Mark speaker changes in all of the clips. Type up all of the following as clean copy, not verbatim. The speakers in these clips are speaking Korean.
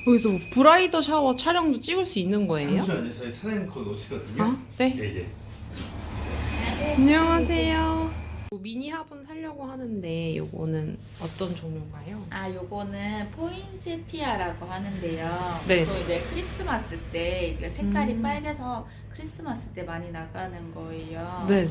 Speaker 1: 여기서 뭐 브라이더 샤워 촬영도 찍을 수 있는 거예요?
Speaker 2: 잠시만요. 저희 사장님 거 오시거든요.
Speaker 1: 아, 네.
Speaker 2: 예, 예.
Speaker 1: 안녕하세요. 미니 화분 사려고 하는데 요거는 어떤 종류인가요?
Speaker 3: 아, 요거는 포인세티아라고 하는데요.
Speaker 1: 네.
Speaker 3: 또 이제 크리스마스 때 이게 색깔이
Speaker 1: 음.
Speaker 3: 빨개서 크리스마스 때 많이 나가는 거예요.
Speaker 1: 네네.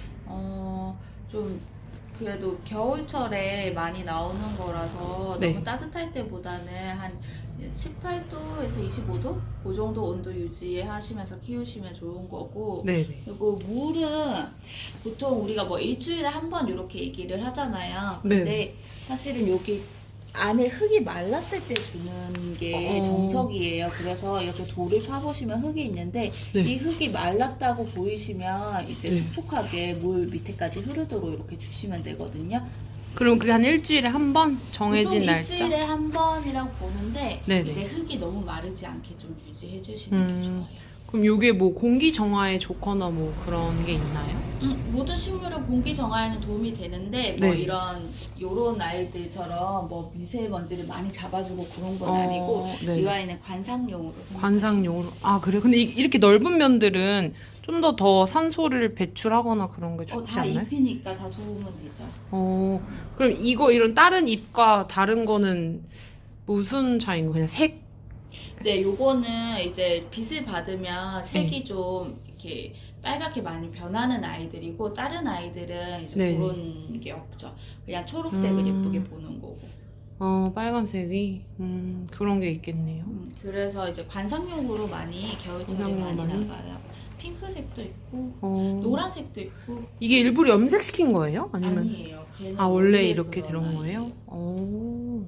Speaker 3: 좀 그래도 겨울철에 많이 나오는 거라서
Speaker 1: 네.
Speaker 3: 너무 따뜻할 때보다는 한 18도에서 25도? 그 정도 온도 유지하시면서 키우시면 좋은 거고.
Speaker 1: 네네.
Speaker 3: 그리고 물은 보통 우리가 뭐 일주일에 한 번 이렇게 얘기를 하잖아요. 근데
Speaker 1: 네.
Speaker 3: 사실은 여기 안에 흙이 말랐을 때 주는 게 정석이에요. 그래서 이렇게 돌을 파보시면 흙이 있는데
Speaker 1: 네.
Speaker 3: 이 흙이 말랐다고 보이시면 이제
Speaker 1: 네.
Speaker 3: 촉촉하게 물 밑에까지 흐르도록 이렇게 주시면 되거든요.
Speaker 1: 그럼 그게 한 일주일에 한 번 정해진
Speaker 3: 보통
Speaker 1: 날짜?
Speaker 3: 일주일에 한 번이라고 보는데
Speaker 1: 네네.
Speaker 3: 이제 흙이 너무 마르지 않게 좀 유지해 주시는 게 좋아요.
Speaker 1: 그럼 요게 뭐 공기 정화에 좋거나 뭐 그런 게 있나요?
Speaker 3: 모든 식물은 공기 정화에는 도움이 되는데 뭐
Speaker 1: 네.
Speaker 3: 요런 아이들처럼 뭐 미세먼지를 많이 잡아주고 그런 건 아니고
Speaker 1: 네.
Speaker 3: 이 아이는 관상용으로
Speaker 1: 관상용으로. 아, 그래요? 근데 이렇게 넓은 면들은 좀 더 산소를 배출하거나 그런 게 좋지
Speaker 3: 다
Speaker 1: 않나요?
Speaker 3: 잎이니까 다 도움은 되죠.
Speaker 1: 그럼 이런 다른 잎과 다른 거는 무슨 차이인 거예요? 그냥 색?
Speaker 3: 네, 요거는 이제 빛을 받으면 색이 좀 이렇게 빨갛게 많이 변하는 아이들이고 다른 아이들은 이제
Speaker 1: 네.
Speaker 3: 그런 게 없죠. 그냥 초록색을 예쁘게 보는 거고.
Speaker 1: 빨간색이 그런 게 있겠네요.
Speaker 3: 그래서 이제 관상용으로 많이 겨울철에
Speaker 1: 관상용
Speaker 3: 많이
Speaker 1: 많이?
Speaker 3: 나가요. 핑크색도 있고 노란색도 있고.
Speaker 1: 이게 일부러 염색시킨 거예요? 아니면
Speaker 3: 아니에요. 걔는
Speaker 1: 원래 이렇게
Speaker 3: 그런
Speaker 1: 들어온 거예요?
Speaker 3: 아이예요.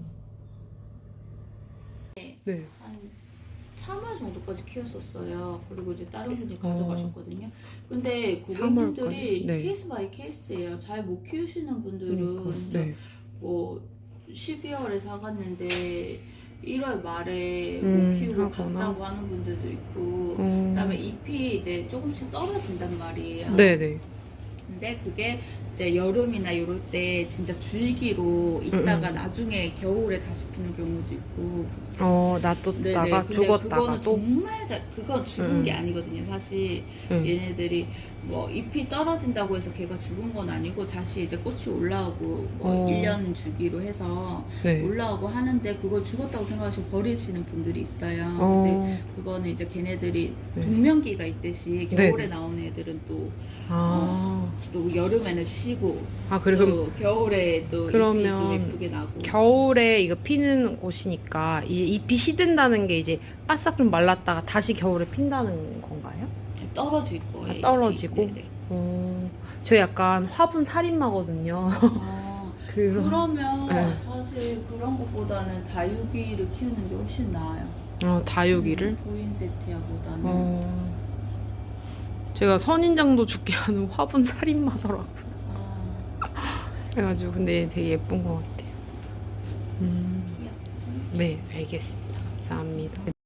Speaker 1: 네.
Speaker 3: 한 3월 정도까지 키웠었어요. 그리고 이제 다른 분이 가져가셨거든요. 근데 고객님들이
Speaker 1: 3월까지? 네.
Speaker 3: 케이스 바이 케이스예요. 잘 못 키우시는 분들은
Speaker 1: 네.
Speaker 3: 뭐 12월에 사갔는데 1월 말에 못 키우고
Speaker 1: 하거나.
Speaker 3: 갔다고 하는 분들도 있고 그다음에 잎이 이제 조금씩 떨어진단 말이에요.
Speaker 1: 네네.
Speaker 3: 근데 그게 이제 여름이나 이럴 때 진짜 줄기로 있다가 나중에 겨울에 다시 피는 경우도 있고.
Speaker 1: 놔뒀다가
Speaker 3: 근데
Speaker 1: 죽었다가
Speaker 3: 그거는
Speaker 1: 또.
Speaker 3: 정말 그건 죽은 게 아니거든요. 사실 얘네들이 뭐 잎이 떨어진다고 해서 걔가 죽은 건 아니고 다시 이제 꽃이 올라오고 뭐 1년 주기로 해서
Speaker 1: 네.
Speaker 3: 올라오고 하는데 그걸 죽었다고 생각하시고 버리시는 분들이 있어요. 근데 그거는 이제 걔네들이
Speaker 1: 네.
Speaker 3: 동명기가 있듯이 겨울에
Speaker 1: 네.
Speaker 3: 나오는 애들은 또 또 여름에는 쉬고
Speaker 1: 그래, 그럼
Speaker 3: 또 겨울에 또 잎이
Speaker 1: 그러면
Speaker 3: 좀 예쁘게 나고.
Speaker 1: 겨울에 이거 피는 곳이니까 이 잎이 시든다는 게 이제 바싹 좀 말랐다가 다시 겨울에 핀다는 건가요?
Speaker 3: 떨어질 거예요.
Speaker 1: 떨어지고?
Speaker 3: 잎이. 네네.
Speaker 1: 저 약간 화분 살인마거든요.
Speaker 3: 그러면
Speaker 1: 네.
Speaker 3: 사실 그런 것보다는 다육이를 키우는 게 훨씬 나아요.
Speaker 1: 다육이를?
Speaker 3: 포인세티아보다는.
Speaker 1: 제가 선인장도 죽게 하는 화분 살인마더라고요. 그래가지고 근데 되게 예쁜 것 같아요.
Speaker 3: 귀엽죠?
Speaker 1: 네, 알겠습니다. 감사합니다.